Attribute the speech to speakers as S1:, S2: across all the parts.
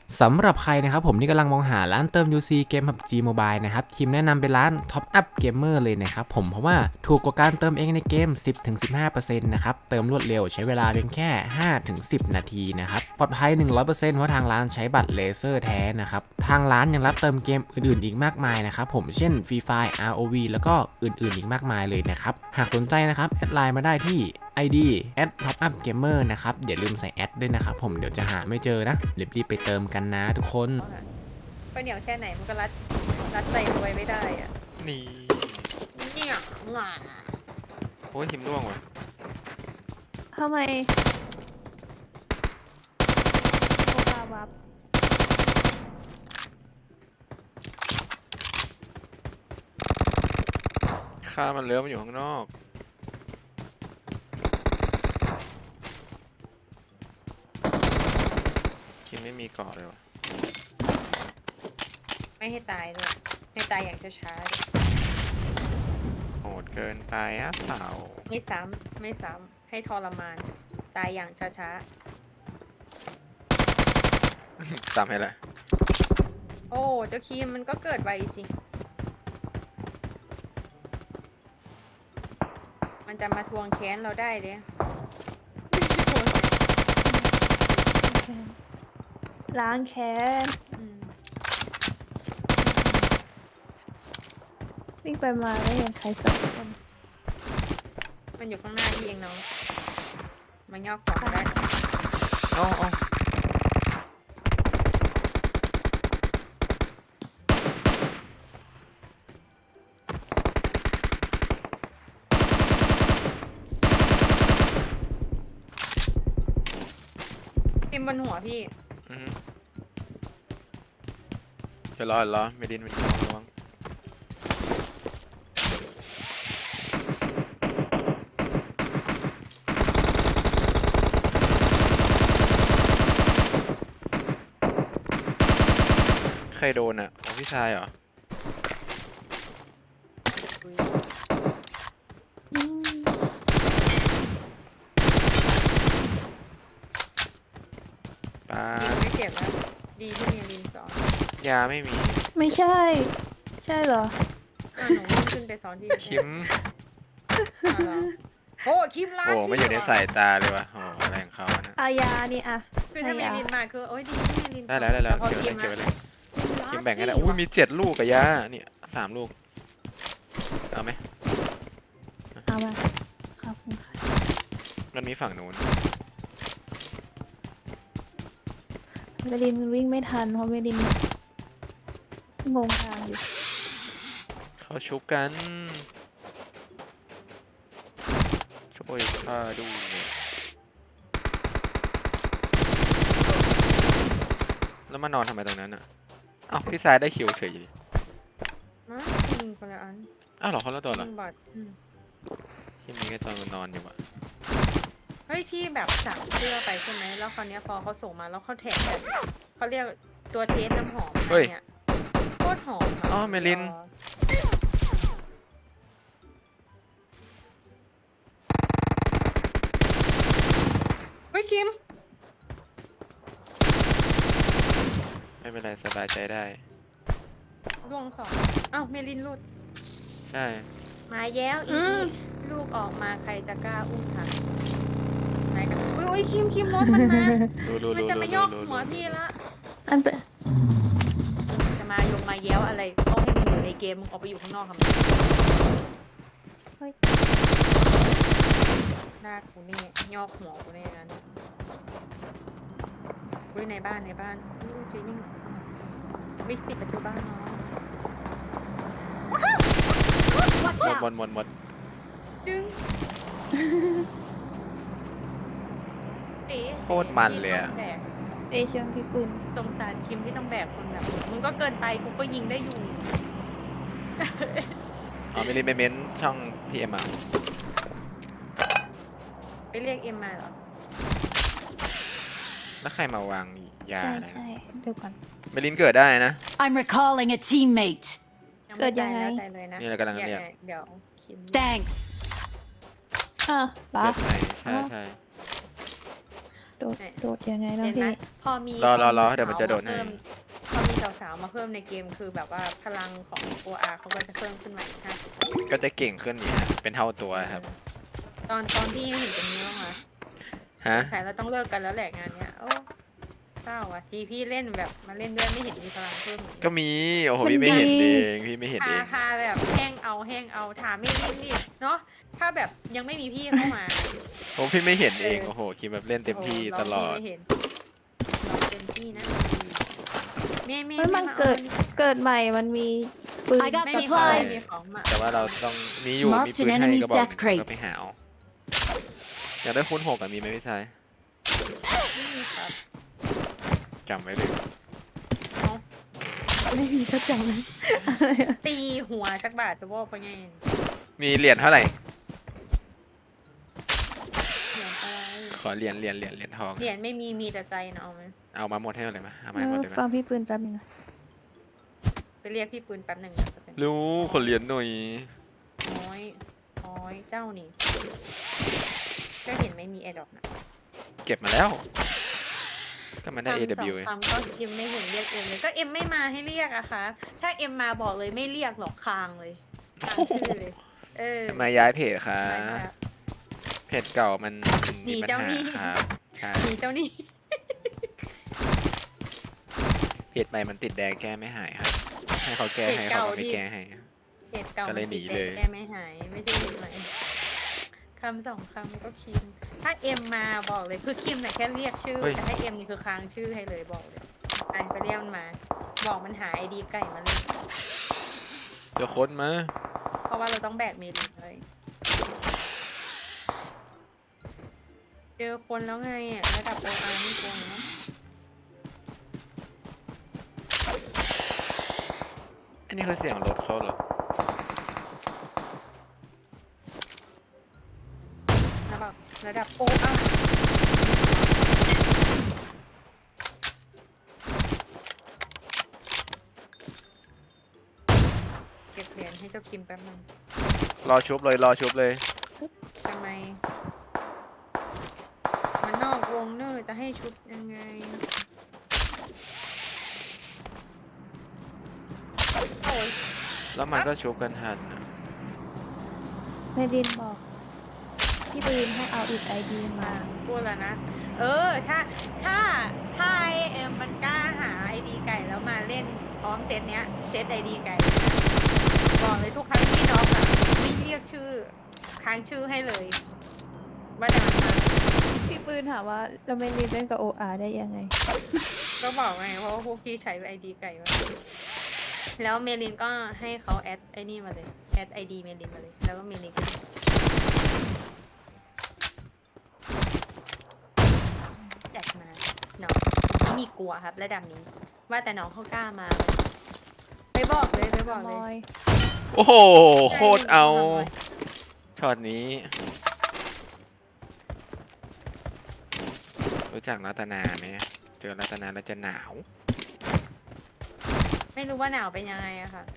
S1: สำหรับใครนะครับผมที่กำลังมองหาร้านเติม UC เกม PUBG Mobile นะครับทีมแนะนำเป็นร้าน Top Up Gamer เลยนะครับผมเพราะว่าถูกกว่าการเติมเองในเกม 10-15% นะครับเติมรวดเร็วใช้เวลาเพียงแค่ 5-10 นาทีนะครับปลอดภัย 100% เพราะทางร้านใช้บัตรเลเซอร์แท้นะครับทางร้านยังรับเติมเกมอื่นๆอีกมากมายนะครับผมเช่น Free Fire ROV แล้วก็อื่นๆอีกมากมายเลยนะครับหากสนใจนะครับแอดไลน์มาได้ที่ ID @topupgamer นะครับอย่าลืมใส่แอดด้วยนะครับผมเดี๋ยวจะหาไม่เจอนะรีบๆไปเติมกันนะทุกคน
S2: ก็เหนียวแค่ไหนมันก็รัดใจรวยไม่ได้อ่ะ
S3: นี่
S2: เนี่ยหว่า
S3: โอ้ยหิมร่วงว่ะ
S4: ทำไมโอกาวับ
S3: ข้ามันเลื้อมันอยู่ข้างนอกคิมไม่มีเกาะเลยว่ะ
S2: ไม่ให้ตายด้วยให้ตายอย่างช้า
S3: โหดเกินไปอ่ะเปล่า
S2: ๆไม่ซ้ำให้ทรมานตายอย่างช้า
S3: จำให้ละ
S2: ๆโอ้เจ้าคีมมันก็เกิดไวสิมันจะมาทวงแค้นเราได้เลย
S4: ล้างแค้นวิ่งไปมาไม่เห็นใครสักคน
S2: มันอยู่ข้างหน้าที่เองน้องมันยอกของได้
S3: เอา
S2: ทิมบนหัวพี่
S3: เดี๋ยวรอไม่ดินระวังใครโดนอ่ะโอ้พี่ชายเหรอปา
S2: ยิงไม่เจ็บนะดีที่มีลินสอน
S3: ยาไม่มี
S4: ไม่ใช่ ใช่เหรอ
S2: หนูวิ่งขึ้นไปสอนที่
S3: คิม
S2: เหรอโอ้คิมล้าง
S3: โอ้ไม่อยู่ในสายตาเลยว่ะโอ้อะไรของเขานะ
S4: อายานี่อะ
S2: คือถ้ามี
S4: อายา
S2: ลินมาคือโอ้ยดีที่มีลิน
S3: ได้แล้ว
S2: พอ
S3: เก็บไว้
S2: คิม
S3: เลยคิมแบ่งให้แล้วอุ้ยมี7 ลูกกับยาเนี่ย3 ลูกเอาไหม
S4: เอามาขอบคุณค่ะ
S3: มันมีฝั่งนู้น
S4: เมลินวิ่งไม่ทันเพราะเมลินงงทางอยู่
S3: เขาชุบกันช่วยข้าดูแล้วมานอนทำไมตรงนั้นอ่ะอ้าวพี่สายได้คิวเฉยดิ
S2: มายิงคนละอัน
S3: อ้าวเหรอเขาละตัวเหรอ
S2: ยิงบอด
S3: ที่มีแค่ตอนมันนอนอยู่อ่ะ
S2: เฮ้ยพี่แบบสั่งเสื้อไปใช่ไหมแล้วคราวเนี้ยพอเขาส่งมาแล้วเขาแท็กแบบเขาเรียกตัวเทสน้ำหอมอะไรเงี้ยโคตรหอมะ
S3: อ๋อเมลิน
S2: เฮ้ยคิม
S3: ไม่เป็นไรสบายใจได้
S2: ดวงสองอ้าวเมลินหลุด
S3: ใช่
S2: มาแย้วอีกลูกออกมาใครจะกล้าอุ้มทันไหนกันอุ้ยคิมรถมันมา
S3: รู้
S2: มันจะมายกหัวพี่ละ
S4: อันเป็น
S2: จะมาแย้วอะไรก็ให้มึงอยู่ในเกมมึงออกไปอยู่ข้างนอกทำไมเฮ้ยหน้ากูนี่ยอกหัวกูนี่นะเนี่ยอุ้ยในบ้านอุ้ยจีนิ่งวิปิดประตูบ้านเนาะ
S3: หมด
S2: จึงเอ๋
S3: โคตรมันเลยอะ
S2: แบก
S4: เอเชียงพิกุล
S2: สงสารคิมที่ต้องแบกคนแบบมึงก็เกินไปกูก็ยิงได้อยู่
S3: อ๋อไม่รีบไปเม้นช่องพีเอ็มอ่ะ
S2: ไปเรียกเอ็มมาเหรอ
S3: แล้วใครมาวางยา
S4: ใช่
S3: อะไร
S4: ใช่เดี๋ยวก่อน
S3: เมลินเกิดได้นะ
S5: I'm recalling a teammate.
S2: ยัง
S4: เกิ
S2: ไม่
S4: ดยังไง
S2: ตายแล้วตายเลยนะ
S3: นี่เรากำลังเรียก
S2: เดี๋ยวคิม
S5: Thanks.
S4: อ่ะปะ
S3: เกิดไหนใช่
S4: โดดยังไงนะ
S2: เห็น
S4: พี่
S2: ไหมพอมี
S3: รอเดี๋ยวมันจะโดดให้
S2: พอมีสาวๆมาเพิ่มในเกมคือแบบว่าพลังของ OR เขาก็จะเพิ่มขึ้นมาอีก50%
S3: ก็จะเก่งขึ้นนี่ฮะเป็นเท่าตัวครับ
S2: ตอนที่เห็นตรงนี้บ้างไหม
S3: ฮะ
S2: สายเราต้องเลิกกันแล้วแหละงานเนี้ยโอ้เศร้าอ่ะทีพี่เล่นแบบมาเล่นด้วยไม่เห็นมีพลังเพิ่มเลย
S3: ก็มีโอ้โห
S4: มัน
S3: พี่ไม่เห็น
S4: ดี
S3: เองพี่ไม่เห็นเอง
S2: พาแบบแห้งเอาถามไม่รีบนี่เนาะถ้าแบบยังไม่มีพี่เข้ามา
S3: โอ้พี่ไม่เห็นเองโอ้โหคิดแบบเล่นเต็มที่
S2: โโห
S3: ตลอด
S2: เราไม่เห็นเราเต็มที่นะแม่
S4: เฮ้ยมัน
S2: อา
S4: เกิดใหม่มันมีปืน
S5: I got
S2: ไม่มี
S5: supplies
S2: ไม่มีของมา
S3: แต่ว่าเราต้องมีอยู่
S5: Marked
S3: มีปืน
S5: an
S3: ให้
S5: enemy's
S3: กระบอกห
S5: death
S3: นึ่ง
S5: crate
S3: ก็ไปหาเอาอยากได้คูณ6มีไหมพี่ชาย
S2: ไม่มีครับ
S3: จำไว้เลย
S2: เนาะ
S4: ไม่มีก็จำเลย
S2: ตีหัวจักบาทจะบอกไปไง
S3: มีเหรียญเท่าไหร่
S2: เหรียญอะไร
S3: ขอเหรียญทอง
S2: เหรียญไม่มีแต่ใจนะเอาไหม
S3: เอามาหมดให้หมดเลยมั้ยเอามาให้หมดเลยมั้
S4: ฟั
S3: ย
S4: งพี่ปืนแป๊บนึงนะ
S2: ไปเรียกพี่ปืนแป๊บหนึ่งนะจะเป็น
S3: รู้ขอเหรียญหน่อย
S2: น้อยเจ้านี่ก็เห็นไม่มีแอร์ดรอปนะ
S3: เก็บมาแล้ว ก็มันได้ AW
S2: คำก็เอ็มไม่เห็นเรียกเอ็มเลยก็เอ็มไม่มาให้เรียกอะคะถ้าเอ็มมาบอกเลยไม่เรียกหรอกคางเลยคางชื่อเลยเออ
S3: มาย้ายเพจค่ะ
S2: ไม่ค่ะ
S3: เพจเก่ามัน
S2: หนี
S3: มีปัญ
S2: เจ้า
S3: หา
S2: หนี้
S3: ครับใช่
S2: หนีเจ้านี่
S3: เพจใหม่มันติดแดงแก้ไม่หายครับให้เขาแก้ให้เขาก็ไม่แก้ให้
S2: เหตุเก่า
S3: ก็เลยหนีเลย
S2: แกไม่หายไม่ใช่เหตุใหม่คำสองคำก็คิมถ้าเอ็มมาบอกเลยคือคิมแต่ะแค่เรียกชื่อแต่ถ้าเอ็มนี่คือค้างชื่อให้เลยบอกเลยอ่านไปเรียกมันมา บอกมันหาไอดีไก่มาเลย
S3: เจอคนมา
S2: เพราะว่าเราต้องแบกเมลินเลย เจอคนแล้วไงอ่ะระดับโออาร์นี่โกงเนาะ
S3: อันนี้คือเสียงรถเขาเหรอ
S2: ระดับโออาร์เก็บเหรียญให้เจ้าคิมแป๊บนึง
S3: รอชุบเลย
S2: ทำไม มันนอกวงเนอร์จะให้ชุดยังไงโอ้ย
S3: แล้วมันก็ชุบกันทันนะ
S4: เมดินบอกพี่ปืนให้เอาอีกไอดีมา
S2: พูดแล้วนะ ถ้าไอเอ็มมันกล้าหาไอดีไก่แล้วมาเล่นพร้อมเซตเนี้ยเซตไอดีไก่นะบอกเลยทุกครั้งที่น้องอะไม่เรียกชื่อค้างชื่อให้เลย ว่าแต่มันมา
S4: พี่ปืนถามว่าเราเมดินเล่นกับโออาได้ยังไง
S2: ก็บอกไงเพราะว่าพวกพี่ใช้ไอดีไก่มาแล้วเมลินก็ให้เขาแอดไอ้นี่มาเลยแอดไอดีเมลินมาเลยแล้วก็เมลินก็แจกมาน้องไม่มีกลัวครับระดับนี้ ว่าแต่น้องเขากล้ามาไปบอกเลย
S3: โอ้โหโคตรเอาช็อตนี้ รู้จักรัตนาไหมเจอรัตนาแล้วจะหนาว
S2: ไม่รู้ว่าหนาวเป็นยังไงอะค่ะ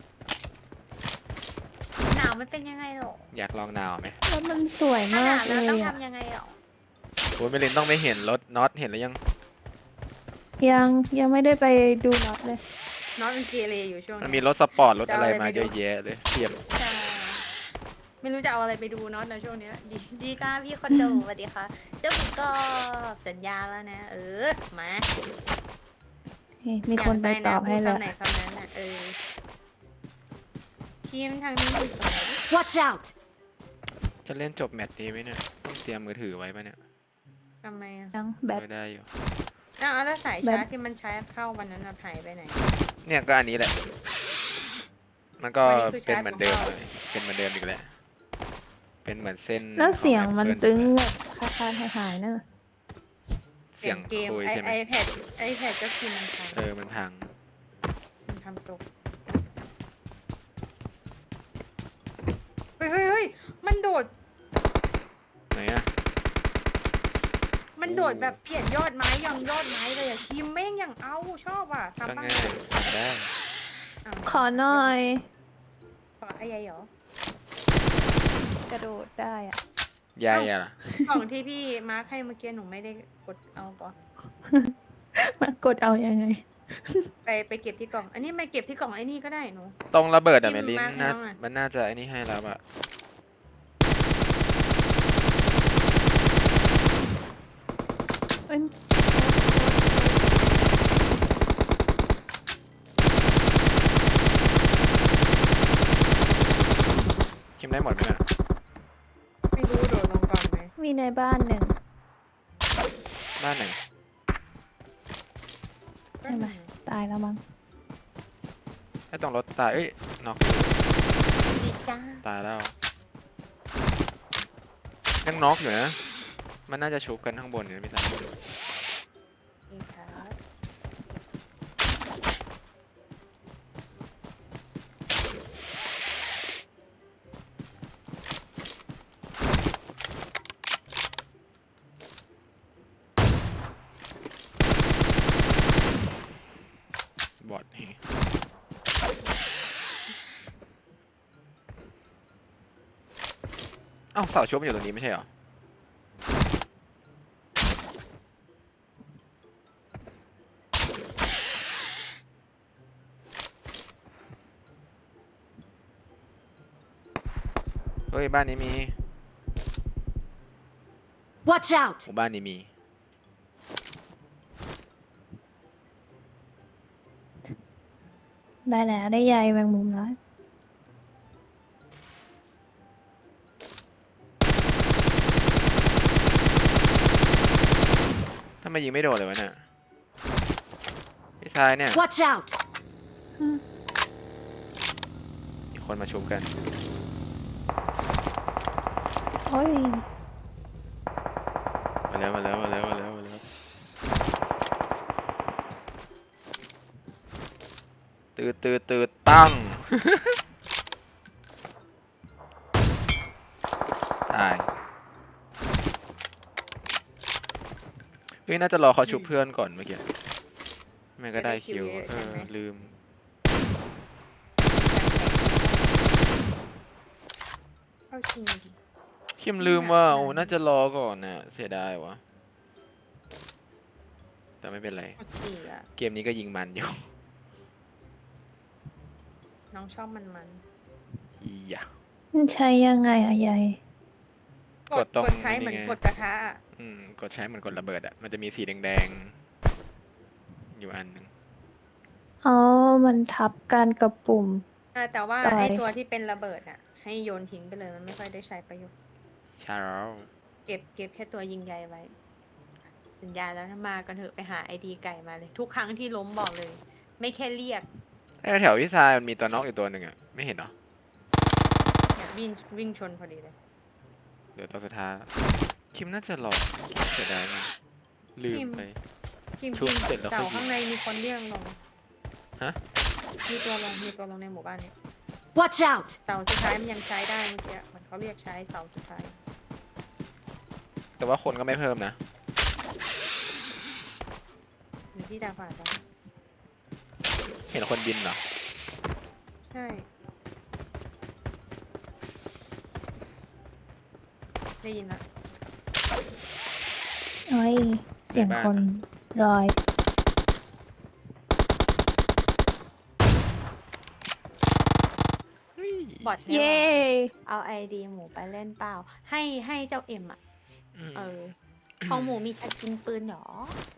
S2: หนาวมันเป็นยังไงหรอ
S3: อยากลองหนาวไหม
S4: แล้วมันสวย
S2: ถ้าหาก ว
S4: มานเล
S2: แล้วต้อง
S4: ยอ่ะ
S2: ทำยังไงหรอ
S3: โอ้ยเมลินต้องไม่เห็นรถน็อตเห็นแล้วยัง
S4: ยังไม่ได้ไปดูน็อตเลย
S2: น้องเป็นเกเรอยู่ช่วง
S3: มัน
S2: นี้
S3: มีรถสปอร์ตรถอะไรมาเยอะแยะเลยเทียบ
S2: ใช่ไม่รู้จะเอาอะไรไปดูเนาะในช่วงเนี้ยดีจ้าพี่คอนโดสวัสดีค่ะเจ้าหมูก็สัญญาแล้วนะ มา
S4: มีคนไปตอบให้
S2: อ
S4: แล้
S2: ยาว กได้นะพูดคำไหนคำนั้นน่ะทีมทางนี้อยู่ตรงไหน
S5: Watch out!
S3: จะเล่นจบแมตช์นี้ไหมเนี่ยต้องเตรียมมือถือไว้ปะเนี่ย
S2: ทำไมอะ
S4: ยังแบต
S3: ไม่ได้อยู่
S2: แล้วสาย
S4: แบบ
S2: ชาร์จที่มันใช้เข้าวันนั้นหายไปไหน
S3: เนี่ยก็อันนี้แหละ มันก็
S2: อันนี้คือ
S3: เป็นเหมือนเดิม
S2: ชาร์จของ
S3: เลยเป็นเหมือนเดิมอีกแล้วเป็นเหมือนเส้น
S4: แล้วเสียง
S3: ของ
S4: มัน
S3: Apple
S4: ตึง
S3: เลย
S4: แบบคาหายๆนั่นน่ะ
S3: เสียง
S2: เกม
S3: คุยใช่ไหม
S2: ไอแพดก็คือมันพัง
S3: มันพัง
S2: มันทำตกเฮ้ยมันโดด
S3: ไหนอะ
S2: มันโดดแบบเปลี่ยนยอดไม้ยังยอดไม้เลยอะทีมแม่งอย่างเอาชอบอ่ะ
S3: ก็
S2: ทำบ้าง
S3: ง่ายทำได้
S2: อ้าว
S4: ขอหน่อย
S2: ขอไอ้ยัยเหรอก
S4: ระโดดได้อ่ะ
S3: ยายอะล่ะ
S2: กล่องที่พี่มาร์คให้เมื่อกี้หนูไม่ได้กดเอาปะ
S4: มากดเอายังไง
S2: ไปเก็บที่กล่อง อันนี้ไม่เก็บที่กล่องไอ้นี่ก็ได้หนู
S3: ตรงระเบิดอะ
S2: ที่
S3: เมลิน
S2: มาร์คให้
S3: น่า
S2: น้องอะ
S3: มันน่าจะไอ้นี่ให้แล้วอะ
S4: เอ้ย
S3: คิมได้หมดไหมเนี่ย
S2: ไม่รู้โดดลงก่อนไหม
S4: มีในบ้านหนึ่ง
S3: บ้านไหน
S4: ใช่ไหม ตายแล้วมั้ง
S3: ไอ้ตรงรถตายเอ้ยน็อก
S2: ดีจ้า
S3: ตายแล้วยังน็อกอยู่นะมันน่าจะชุบกันข้างบนอยู่นะพี่สาว
S2: ดีครับ
S3: บอดนี่เอ้าเสาชุบมันอยู่ตรงนี้ไม่ใช่เหรอเฮ้ยบ้านนี้มี
S5: Watch out!
S3: หมู่บ้านนี้มี
S4: ได้แล้วได้ใยแมงมุมแล้ว
S3: ทำไมยิงไม่โดนเลยวะเนี่ยพี่ชายเนี่ย
S5: Watch out!
S3: มีคนมาชุบกัน
S4: โอ้ย
S3: มาแล้วมาแล้วมาแล้วมาแล้วมาแล้วตืดตั้ง ตายเฮ้ยน่าจะรอเขาชุบเพื่อนก่อนเมื่อกี้ไม่ก็ได้คิวลืม
S2: เข้าจริงดิ
S3: คิมลืมว่าโอ้น่าจะรอก่อนน่ะเสียดายวะแต่ไม่เป็นไร
S2: เข้าจริงอะ
S3: เกมนี้ก็ยิงมันอยู่
S2: น้องชอบมัน
S3: อีหยะ
S4: มันใช้ยังไงอะใย
S2: กด
S3: ตรง
S2: ใช้เหมือน
S3: นี่ไง
S2: กดกระทะอะ
S3: กดใช้เหมือนกดระเบิดอ่ะมันจะมีสีแดงๆอยู่อันหนึ่ง
S4: อ๋อ มันทับกันกับปุ่ม
S2: แต่ว่า
S4: ต่อย
S2: ไอตัวที่เป็นระเบิดอะให้โยนทิ้งไปเลยมันไม่ค่อยได้ใช้ประโยชน์
S3: ใช่แล้ว
S2: เก็บแค่ตัวยิงใยไว้ สัญญาแล้วถ้ามากันเถอะไปหาไอดีไก่มาเลย ทุกครั้งที่ล้มบอกเลย ไม่แค่เรียก
S3: แถวพี่ชายมันมีตัวน็อกอยู่ตัวหนึ่งอ่ะไม่เห็นเหรอ
S2: เนี่ยวิ่งชนพอดีเลย
S3: เดี๋ยวตัวสุดท้ายคิมน่าจะรอเสียดายมากลืมไป
S2: ทีม
S3: ชุบเสร็จแล้วค่อย
S2: เต่า
S3: ยิง
S2: ข้างในมีคนเรียกลง
S3: ฮะ
S2: มีตัวลงในหมู่บ้านเนี่ย
S5: Watch out!
S2: เต่าสุดท้ายมันยังใช้ได้เมื่อกี้มันเขาเรียกใช้เต่าสุดท้าย
S3: แต่ว่าคนก็ไม่เพิ่มนะ
S2: อยู่ที่ดาฟ้าจ้ะ
S3: เห็นคนบินเหรอ
S2: ใช่ได้ยินละ
S4: โอ้ย เสียงคนลอย
S2: บอท
S4: เย้
S2: เอาไอดีหมูไปเล่นเปล่า ให้เจ้าเอ็มอ่ะ
S3: อืม
S2: ของหมูมีชักกินปืนเหรอ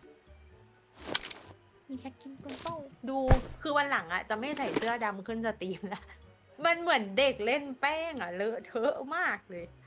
S2: มีชักกินปืนเปล่าดูคือวันหลังอ่ะ จะไม่ใส่เสื้อดำขึ้นสตรีมละมันเหมือนเด็กเล่นแป้งอ่ะ เลอะเทอะมากเลย